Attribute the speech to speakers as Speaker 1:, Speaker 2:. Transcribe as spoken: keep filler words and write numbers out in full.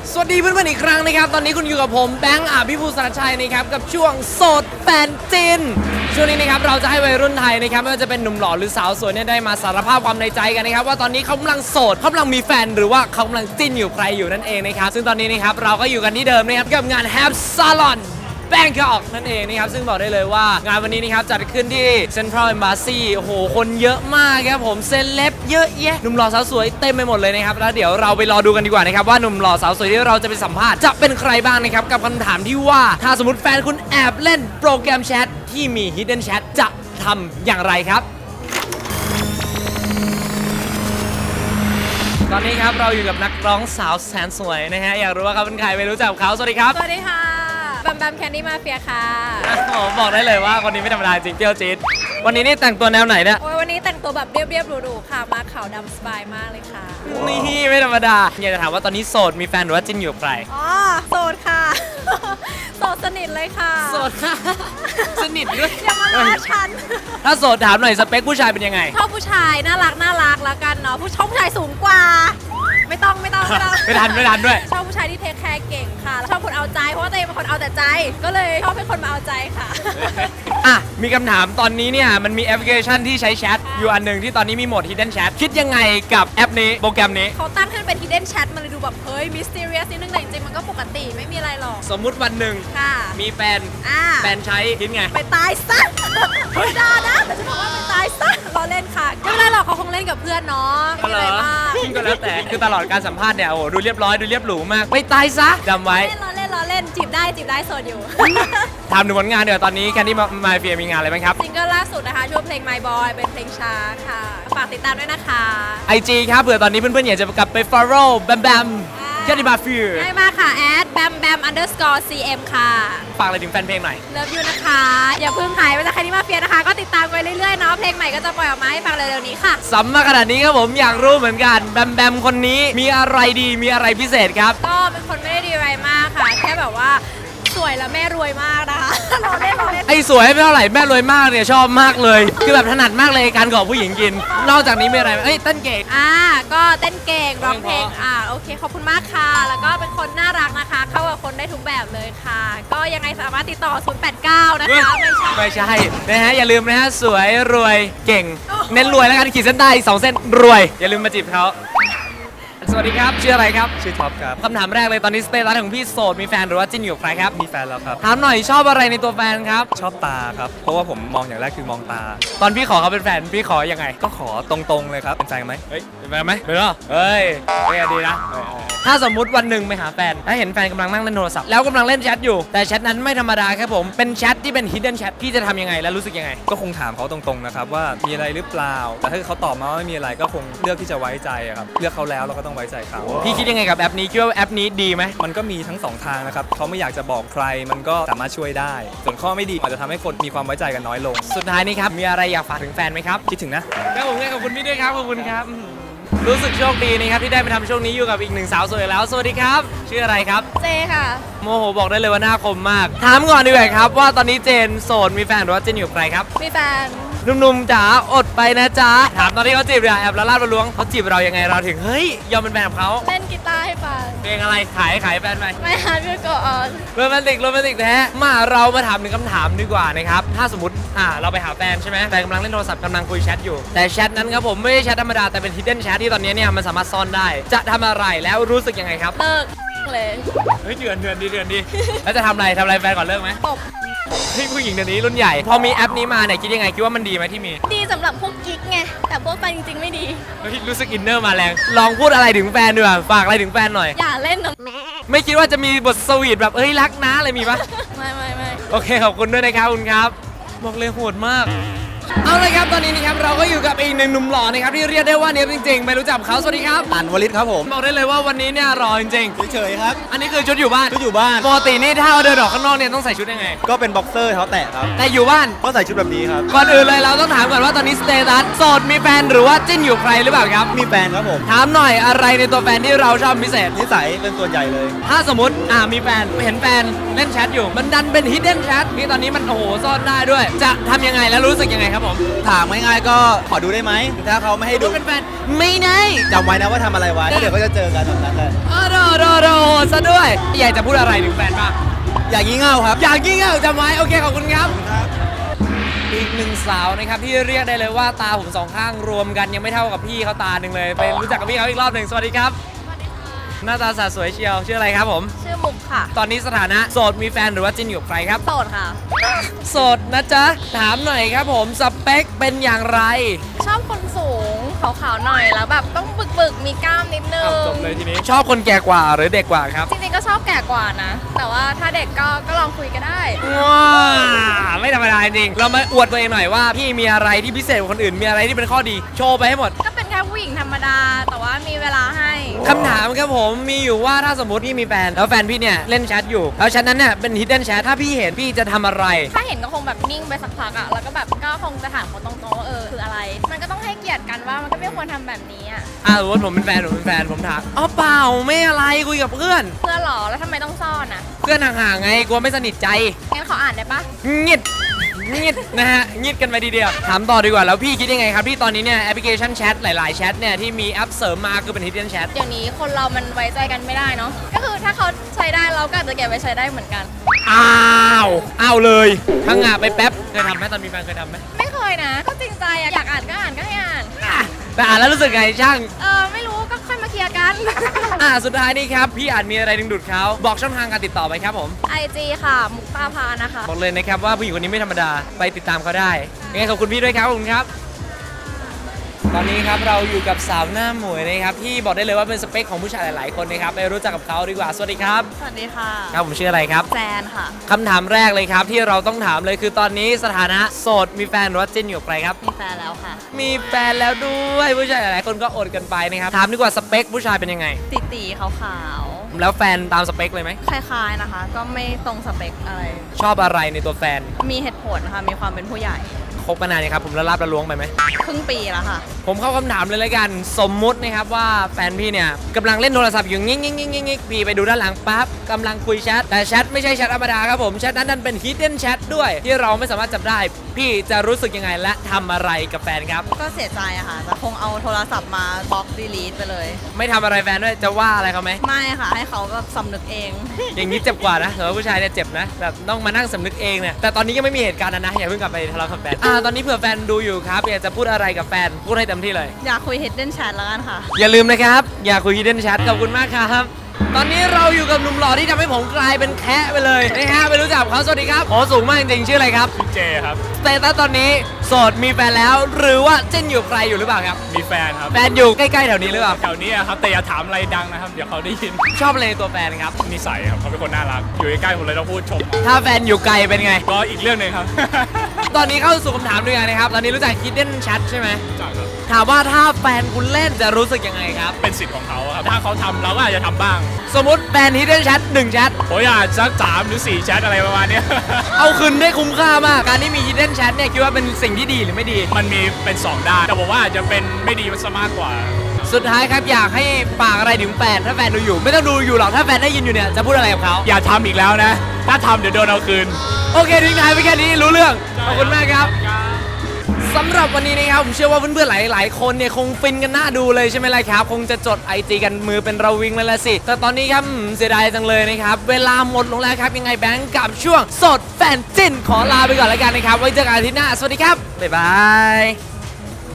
Speaker 1: สวัสดีเพื่อนๆอีกครั้งนะครับตอนนี้คุณอยู่กับผมแบงค์อภิภูสารชัยนะครับกับช่วงโสดแฟนจินช่วงนี้นะครับเราจะให้วัยรุ่นไทยนะครับไม่ว่าจะเป็นหนุ่มหล่อหรือสาวสวยเนี่ยได้มาสารภาพความในใจกันนะครับว่าตอนนี้เขากำลังโสดเขากำลังมีแฟนหรือว่าเขากำลังจิ้นอยู่ใครอยู่นั่นเองนะครับซึ่งตอนนี้นะครับเราก็อยู่กันที่เดิมนะครับกับงาน Have Salonแบงคอกนั่นเองนะครับซึ่งบอกได้เลยว่างานวันนี้นะครับจัดขึ้นที่ Central Embassy โอ้โหคนเยอะมากครับผมเซเลบเยอะแยะหนุ่มหล่อสาวสวยเต็มไปหมดเลยนะครับแล้วเดี๋ยวเราไปรอดูกันดีกว่านะครับว่าหนุ่มหล่อสาวสวยที่เราจะไปสัมภาษณ์จะเป็นใครบ้างนะครับกับคำถามที่ว่าถ้าสมมติแฟนคุณแอบเล่นโปรแกรมแชทที่มี Hidden Chat จะทำอย่างไรครับตอนนี้ครับเราอยู่กับนักร้องสาวแสนสวยนะฮะอยากรู้ว่าเขาเป็นใครไปรู้จักเขาสวัสดีครับ
Speaker 2: สวัสดีค่ะแบมแบมแคนดี้มาเฟียค่ะ
Speaker 1: โอ้บอกได้เลยว่าคนนี้ไม่ธรรมดาจริงเปรี้ยวจี๊ดวันนี้นี่แต่งตัวแนวไหนเนี่ย
Speaker 2: โอ้ยวันนี้แต่งตัวแบบเรียบๆหรูๆค่ะมาขาวดำสบายมากเลยค่ะ
Speaker 1: นี่ไม่ธรรมดาอยากจะถามว่าตอนนี้โสดมีแฟนหรือว่าจิ้นอยู่กับใคร
Speaker 2: อ๋อโสดค่ะโสดสนิทเลยค่ะ
Speaker 1: โสดค่ะสนิทด้วย
Speaker 2: อย่ามาล้อฉัน
Speaker 1: ถ้าโสดถามหน่อยสเปคผู้ชายเป็นยังไง
Speaker 2: ชอบผู้ชายน่ารักน่ารักแล้วกันเนาะผู้ชอบผู้ชายสูงกว่าไม่ต้องไม่ต้องไม่ต้อง
Speaker 1: ไม่ทันไม่ทันด้วย
Speaker 2: ชอบผู้ชายที่เทคแคร์เก่งค่ะชอบคนเอาใจเพราะว่าตัวเองเป็นคนเอาแต่ใจก็เลยชอบเป็นคนมาเอาใจค่ะ
Speaker 1: อ่ะมีคำถามตอนนี้เนี่ยมันมีแอปพลิเคชันที่ใช้แชทอยู่อันหนึ่งที่ตอนนี้มีโหมด Hidden Chat คิดยังไงกับแอปนี้โปรแกรมนี้
Speaker 2: เขาตั้งให้เป็น Hidden Chat มันเลยดูแบบเฮ้ย Mysterious นิดนึงแต่จริงๆมันก็ปกติไม่มีอะไรหรอก
Speaker 1: สมมุติวันหนึ่งมีแฟนแฟนใช้คิดไง
Speaker 2: ไปตายซะไม่ได้นะแต่จะบอกว่าไปตายซะเราเล่นค่ะไม่เป็นไรหรอกเขาคงเล่นกับเพื่อนเนาะ
Speaker 1: ไม่อะไรมากก็แล้วแต่คือตลอดการสัมภาษณ์เนี่ยโอ้ดูเรียบร้อยดูเรียบหรูมากไปตายซะจำไว้
Speaker 2: เล่นเราเล่นเราเล่นจีบได้จีบได้โสดอยู่
Speaker 1: ถามถึงผลงานเดี๋ยวตอนนี้แคนดี้มาเฟียมีงานอะไรบ้างครับ
Speaker 2: ซิงเกิลล่าสุดนะคะช่วงเพลง My Boy เป็นเพลงช้าค่ะฝากติดตามด้วยนะคะ
Speaker 1: ไอ จี ครับเผื่อตอนนี้เพื่อนๆอยากจะกลับไป follow แบมแบมแคนดี้มาเฟีย
Speaker 2: ได้มากค่ะแอดแบมแบม underscore cm ค่ะ
Speaker 1: ฝากอะไรถึงแฟนเพลงหน่อย
Speaker 2: เลิฟยูนะคะอย่าเพิ่งหายไปจากแคนดี้มาเฟียนะคะก็ติดตามไปเรื่อยๆเนาะเพลงใหม่ก็จะปล่อยออกมาให้ฟังเร็วๆนี้ค่ะ
Speaker 1: สัมมาขนาดนี้ครับผมอยากรู้เหมือนกันแบมแบมคนนี้มีอะไรดีมีอะไรพิเศษครับ
Speaker 2: ก็เป็นคนไม่ได้ดีอะไรมากค่ะแค่แบบว่าสวยแล้วแม่รวยมากนะคะเราเล่นเราเล่น
Speaker 1: ไอ้สวยไม่เท่าไหร่แม่รวยมากเนี่ยชอบมากเลยคือแบบถนัดมากเลยการขอผู้หญิงกินนอกจากนี้มีอะไรเอ้ยเต้นเก่ง
Speaker 2: อ่าก็เต้นเก่งร้องเพลงอ่าโอเคขอบคุณมากค่ะแล้วก็เป็นคนน่ารักนะคะเข้ากับคนได้ทุกแบบเลยค่ะก็ยังไงสามารถติดต่อศูนย์ แปด เก้านะคะไม่ใช่
Speaker 1: ไม่ใช่นะฮะอย่าลืมนะฮะสวยรวยเก่งเน้นรวยแล้วกันขีดเส้นใต้สองเส้นรวยอย่าลืมมาจีบเขาสวัสดีครับชื่ออะไรครับ
Speaker 3: ชื่อท็อปครับ
Speaker 1: คำถามแรกเลยตอนนี้สเตตัสของพี่โสดมีแฟนหรือว่าจิ้นอยู่กับใครครับ
Speaker 3: มีแฟนแล้วครับ
Speaker 1: ถามหน่อยชอบอะไรในตัวแฟนครับ
Speaker 3: ชอบตาครับเพราะว่าผมมองอย่างแรกคือมองตา
Speaker 1: ตอนพี่ขอเขาเป็นแฟนพี่ขอยังไง
Speaker 3: ก็ขอตรงๆเลยครับเป็นแฟนไหม
Speaker 1: เฮ้ยเป็นแฟนไหมเป็นหรอเฮ้ยไม่ดีนะถ้าสมมุติวันหนึ่งไปหาแฟนถ้าเห็นแฟนกำลังนั่งเล่นโทรศัพท์แล้วกำลังเล่นแชทอยู่แต่แชทนั้นไม่ธรรมดาครับผมเป็นแชทที่เป็น hidden chat พี่จะทำยังไงและรู้สึกยังไง
Speaker 3: ก็คงถามเขาตรงๆนะครับว่ามีอะไรหรือเปล่าแต่ถ้าเขาตอบมาว่าไม่มีอะไรก็คงเลือกที่จะไว้ใจครับเลือกเขาแล้วเราก็ต้องไว้ใจเขา
Speaker 1: พี่คิดยังไงกับแอปนี้คิดว่าแอปนี้ดีไหม
Speaker 3: มันก็มีทั้งสองทางนะครับเขาไม่อยากจะบอกใครมันก็สามารถช่วยได้ส่วนข้อไม่ดีอาจจะทำให้คนมีความไว้ใจกันน้อยลง
Speaker 1: สุดท้ายนี้ครับมีอะไรอยากฝากถึงแฟนไหมครับ
Speaker 3: คิดถึงนะครับ
Speaker 1: ผมขอบคุณพี่ด้วยครับขอบคุณครับรู้สึกโชคดีนะครับที่ได้มาทำช่วงนี้อยู่กับอีกหนึ่งสาวสวยแล้วสวัสดีครับชื่ออะไรครับ
Speaker 2: เจค่ะ
Speaker 1: โมโหบอกได้เลยว่าหน้าคมมากถามก่อนดีกว่าครับว่าตอนนี้เจนโสดมีแฟนหรือว่าเจนอยู่กับใครครับ
Speaker 2: มีแฟน
Speaker 1: หนุ่มๆจ๋าอดไปนะจ๊ะถามตอนที่เขาจีบเลยแอบละลาดละล้วงเขาจีบเรายังไงเราถึงเฮ้ยยอมเป็นแฟนกับเขา
Speaker 2: เล่นกีตาร์ให้ฟัง
Speaker 1: เพลงอะไรขายขายแฟนไหม
Speaker 2: ไม่ฮาร์ดก็ออน
Speaker 1: โรแมนติกโรแมนติกแท้มาเรามาถามหนึ่งคำถามดีกว่านะครับถ้าสมมติอ่าเราไปหาแฟนใช่ไหมแฟนกำลังเล่นโทรศัพท์กำลังคุยแชทอยู่แต่แชทนั้นครับผมไม่ใช่แชทธรรมดาแต่เป็น hidden chat ที่ตอนนี้เนี่ยมันสามารถซ่อนได้จะทำอะไรแล้วรู้สึกยังไงครับ
Speaker 2: เลิกเลย
Speaker 1: เฮ้ยเดือนเดือนดีเดือนดีแล้วจะทำอะไรทำอะไรแฟนก่อนเลิกไหม
Speaker 2: ตบ
Speaker 1: เฮ้ยผู้หญิงเดี๋ยวนี้รุ่นใหญ่พอมีแอปนี้มาเนี่ยคิดยังไงคิดว่ามันดีไหมที่มี
Speaker 2: ดีสำหรับพวกกิ๊กไงแต่พวกแฟนจริงๆไม่ดี
Speaker 1: เฮ้ยรู้สึกอินเนอร์มาแรงลองพูดอะไรถึงแฟนดีกว่าฝากอะไรถึงแฟนหน่อย
Speaker 2: อย่าเล่นนะแม่
Speaker 1: ไม่คิดว่าจะมีบทสวีทแบบเอ้ยรักนะอะไรมีปะ
Speaker 2: ไม่ไม่ไม่
Speaker 1: โอเคขอบคุณด้วยนะครับคุณครับบอกเลยโหดมากเอาเลยครับตอนนี้นะครับเราก็อยู่กับอีกหนึ่งหนุ่มหล่อนะครับที่เรียกได้ว่าเนี้ยจริงๆไม่รู้จักเขาสวัสดีครับ
Speaker 3: อันวลิศครับผม
Speaker 1: บอกได้เลยว่าวันนี้เนี่ยรอจริง
Speaker 3: ๆเฉยๆครับ
Speaker 1: อันนี้คือชุดอยู่บ้าน
Speaker 3: ชุดอยู่บ้าน
Speaker 1: ปกตินี่ถ้าเราเดินออกข้างนอกเนี่ยต้องใส่ชุดยังไง
Speaker 3: ก็เป็นบ็อกเซอร์เท้าแตะครับ
Speaker 1: แต่อยู่บ้าน
Speaker 3: ก็ใส่ชุดแบบนี้ครับ
Speaker 1: ก่อนอื่นเลยเราต้องถามก่อนว่าตอนนี้สเตตัสโสดมีแฟนหรือว่าจิ้นอยู่ใครหรือเปล่าครับ
Speaker 3: มีแฟนครับผม
Speaker 1: ถามหน่อยอะไรในตัวแฟนที่เราชอบพิเศษ
Speaker 3: นิสัยเป็นส่วนใหญ่เลย
Speaker 1: ถ้าสมมติอ่ามีแฟนเห็นแฟนเล่นแชทอยู่มันดันเป็น hidden chat ที่ตอนนี้มันโอ้โหซ่อนได้ด้วยจะทำยังไงแล้วรู้สึกยังไงครับครับผม
Speaker 4: ถามง่ายๆก็ขอดูได้ไหมถ้าเขาไม่ให้ดู
Speaker 1: ดูเป็นแฟนไม่ได้
Speaker 4: จำไว้นะว่าทำอะไรไว้แล้วเดี๋ยวก็จะเจอกันแบบนั้นเลย
Speaker 1: เออโดโดโดซะด้วย อยากจะพูดอะไรถึงแฟนบ้าง
Speaker 4: อย่างงี้เง่าครับ
Speaker 1: อยากยิ่งอ่ะจำไว้โอเคขอบคุณครับ อีกหนึ่งสาวนะครับที่เรียกได้เลยว่าตาผมสองข้างรวมกันยังไม่เท่ากับพี่เขาตาหนึ่งเลยไปรู้จักกับพี่เขาอีกรอบหนึ่งสวัสดีครับ หน้าตาสาวสวยเชียวชื่ออะไรครับผม
Speaker 2: ชื่อมุกค่ะ
Speaker 1: ตอนนี้สถานะโสดมีแฟนหรือว่าจิ้นอยู่กับใครครับ
Speaker 2: โสดค่ะ
Speaker 1: โสดนะจ๊ะถามหน่อยครับผมสเปคเป็นอย่างไร
Speaker 2: ชอบคนสูงขาวๆหน่อยแล้วแบบต้องบึกๆมีกล้ามนิดนึง
Speaker 3: จบเลยทีนี้
Speaker 1: ชอบคนแก่กว่าหรือเด็กกว่าครับ
Speaker 2: จริงๆก็ชอบแก่กว่านะ แต่ว่าถ้าเด็กก็ก็ลองคุยก็ได้
Speaker 1: ว้าไม่ธรรมดาจริงเรามาอวดตัวเองหน่อยว่าพี่มีอะไรที่พิเศษกว่าคนอื่นมีอะไรที่เป็นข้อดีโชว์ไปให้หมด
Speaker 2: ก็เป็นแค่ผู้หญิงธรรมดา แต่ว่ามีเวลาให้
Speaker 1: คำถามครับผมมีอยู่ว่าถ้าสมมติพี่มีแฟนแล้วแฟนพี่เนี่ยเล่นแชทอยู่แล้วแชทนั้นเนี่ยเป็น hidden chat ถ้าพี่เห็นพี่จะทำอะไร
Speaker 2: ถ้าเห็นก็คงแบบนิ่งไปสักพักอะแล้วก็แบบก็คงจะถามเขาตรงๆว่าเออคืออะไร มันก็ต้องให้เกียรติกันว่ามันก็ไม่ควรทำแบบนี้อะ
Speaker 1: อ่าสมมติผมเป็นแฟนผมเป็นแฟนผมถามอ๋อเปล่าไม่อะไรคุยกับเพื่อน
Speaker 2: เพื่อนหรอแล้วทำไมต้องซ่อนอะ
Speaker 1: เพื่อนห่างๆไงกลัวไม่สนิทใจ
Speaker 2: งั้นขออ่านได้ปะ
Speaker 1: งิดงิดนะฮะงิดกันไปทีเดียวถามต่อดีกว่าแล้วพี่คิดยังไงครับที่ตอนนี้เนี่ยแอปพลิเคชันแชทหลายๆแชทเนี่ยที่มีแอปเสริมมาคือเป็น hidden chat
Speaker 2: เดี๋ยวนี้คนเรามันไว้ใจกันไม่ได้เนาะก็คือถ้าเขาใช้ได้เราก็อาจจะเก็บไว้ใช้ได้เหมือนกัน
Speaker 1: อ้าวอ้าวเลยพังงาไปแป๊บเคยทำไหมตอนมีแฟนเคยทำไหม
Speaker 2: ไม่เคยนะ ก็จริงใจอะอยากอ่านก็อ่านก็ให้อ่าน
Speaker 1: อ่ะแต่อ่านแล้วรู้สึกไงช่าง
Speaker 2: เออไม่รู้ก็ค่อยมาเคลียร์กัน
Speaker 1: อ่าสุดท้ายนี้ครับพี่อาจมีอะไรดึงดูดเขาบอกช่องทางการติดต่อไปครับผม
Speaker 2: ไอจีค่ะ มุกตาพานะคะ
Speaker 1: บอกเลยนะครับว่าผู้หญิงคนนี้ไม่ธรรมดาไปติดตามเขาได้ยังไงขอบคุณพี่ด้วยครับขอบคุณครับ ตอนนี้ครับเราอยู่กับสาวหน้าหมวยนะครับที่บอกได้เลยว่าเป็นสเปคของผู้ชายหลาย ๆ คนนะครับไปรู้จักกับเขาดีกว่าสวัสดีครับ
Speaker 2: สวัสดีค่ะ
Speaker 1: ครับผมชื่ออะไรครับ
Speaker 2: แซนค่ะ
Speaker 1: คำถามแรกเลยครับที่เราต้องถามเลยคือตอนนี้สถานะโสดมีแฟนหรือว่าจิ้นอยู่กับใครครับ
Speaker 2: มีแฟนแล้วค่ะ
Speaker 1: มีแฟนแล้วด้วยผู้ชายหลาย ๆ คนก็อดกันไปนะครับถามดีกว่าสเปคผู้ชายเป็นยังไง
Speaker 2: ตีตีขาวขาว
Speaker 1: แล้วแฟนตามสเปคเลยไหม
Speaker 2: ๆคล้ายๆนะคะ ก็ไม่ตรงสเปคอะไร
Speaker 1: ชอบอะไรในตัวแฟน
Speaker 2: มีเหตุผลนะคะมีความเป็นผู้ใหญ่
Speaker 1: คบมานานยังครับผมละลาบละล้วงไปไหม
Speaker 2: ครึ่งปีแล้วค่ะ
Speaker 1: ผมเข้าคำถามเลยละกันสมมุตินะครับว่าแฟนพี่เนี่ยกำลังเล่นโทรศัพท์อยู่งิ๊กงิ๊กงิ๊กงิ๊กงิ๊กพี่ไปดูด้านหลังปั๊บกำลังคุยแชทแต่แชทไม่ใช่แชทธรรมดาครับผมแชทนั้นดันเป็น hidden chat ด้วยที่เราไม่สามารถจับได้ พี่จะรู้สึกยังไงและทำอะไรกับแฟนครับ
Speaker 2: ก็เสียใจอะค่ะแต่คงเอาโทรศัพท์มาบล็อกดีลีทไปเลย
Speaker 1: ไม่ทำอะไรแฟนด้วยจะว่าอะไรเขาไหม
Speaker 2: ไม่ค่ะ ให้เขาแบบสำนึกเอง
Speaker 1: อย่างนี้เจ็บกว่านะสำหรับผู้ชายเนี่ยเจ็บนะแบบต้องมานั่งสำนึกเองเนี่ยแต่ตอนนี้ยังไม่มีเหตุการณ์นั้นนะอย่าเพิ่งกลับไปทะเลาะกับแฟนอ่าตอนนี้เผื่อแฟนดูอยู่ครับอยากจะพูดอะไรกับแฟนพูดให้เต็มที่เลย
Speaker 2: อยากคุย hidden chat แล้วกันค่ะ
Speaker 1: อย่าลืมนะครับ อย่าคุย hidden chat ขอบคุณมากครับ ตอนนี้เราอยู่กับหนุ่มหล่อที่ทำให้ผมกลายเป็นแคะไปเลยนะฮะไปรู้จักเขาสวัสดีครับโอ้สูงมากจริงๆชื่ออะไรครับ
Speaker 3: เจครับ
Speaker 1: สเตตัสตอนนี้โสดมีแฟนแล้ว หรือว่าจิ้นอยู่ใครอยู่หรือเปล่าครับ
Speaker 3: มีแฟนครับ
Speaker 1: แฟนอยู่ใกล้ๆแถวนี้หรือเปล่า
Speaker 3: แถวนี้อะครับ แต่อย่าถามอะไรดังนะครับ เดี๋ยวเขาได้ยิน
Speaker 1: ชอบอะไรในตัวแฟนครับ
Speaker 3: นิสัยครับเขาเป็นคนน่ารัก อยู่ใกล้ๆผมเลยต้องพูดชม
Speaker 1: ถ้าแฟนอยู่ไกลเป็นไง
Speaker 3: ก็อีกเรื่องหนึ่งครับ
Speaker 1: ตอนนี้เข้าสู่คำถามด้วยกันนะครับ ตอนนี้รู้จัก hidden chat ใช่ไหม
Speaker 3: จากครับ
Speaker 1: ถามว่าถ้าแฟนคุณเล่นจะรู้สึกยังไงครับ
Speaker 3: เป็นสิทธิ์ของเขาครับ ถ้าเขาทำเราก็อาจจะทำบ้าง
Speaker 1: สมมติแฟน hidden chat หนึ่งแชท
Speaker 3: ผมอยากสักสามหรือสี่แชทอะไรประมาณเนี้ย
Speaker 1: เอาคืนได้คุ้มค่ามาก การที่มี hidden chat เนี่ยคิดว่าเป็นสิ่งที่ดีหรือไม่ดี
Speaker 3: มันมีเป็นสองด้าน แต่ผมว่าอาจจะเป็นไม่ดีมันซะมากกว่า
Speaker 1: สุดท้ายครับอยากให้ฝากอะไรถึงแฟนถ้าแฟนดูอยู่ ไม่ต้องดูอยู่หรอกถ้าแฟนได้ยินอยู่เนี่ยจะพูดอะไรกับเขา
Speaker 3: อย่าทำอีกแล้วนะ ถ้าทำเดี๋ยวโดนเอาคืน
Speaker 1: โอเคทิ้งท้ายไปแค่นี้รู้เรื่องขอบคุณมากครับสำหรับวันนี้นะครับผมเชื่อว่าเพื่อนๆหลายๆคนเนี่ยคงฟินกันหน้าดูเลยใช่ไหมล่ะครับคงจะจด ไอ จี กันมือเป็นระวิงเลยละสิแต่ตอนนี้ครับอืมเสียดายจังเลยนะครับเวลาหมดลงแล้วครับยังไงแบงค์กับช่วงสดแฟนจิ้นขอลาไปก่อนแล้วกันนะครับไว้เจอกันอาทิตย์หน้าสวัสดีครับบ๊ายบาย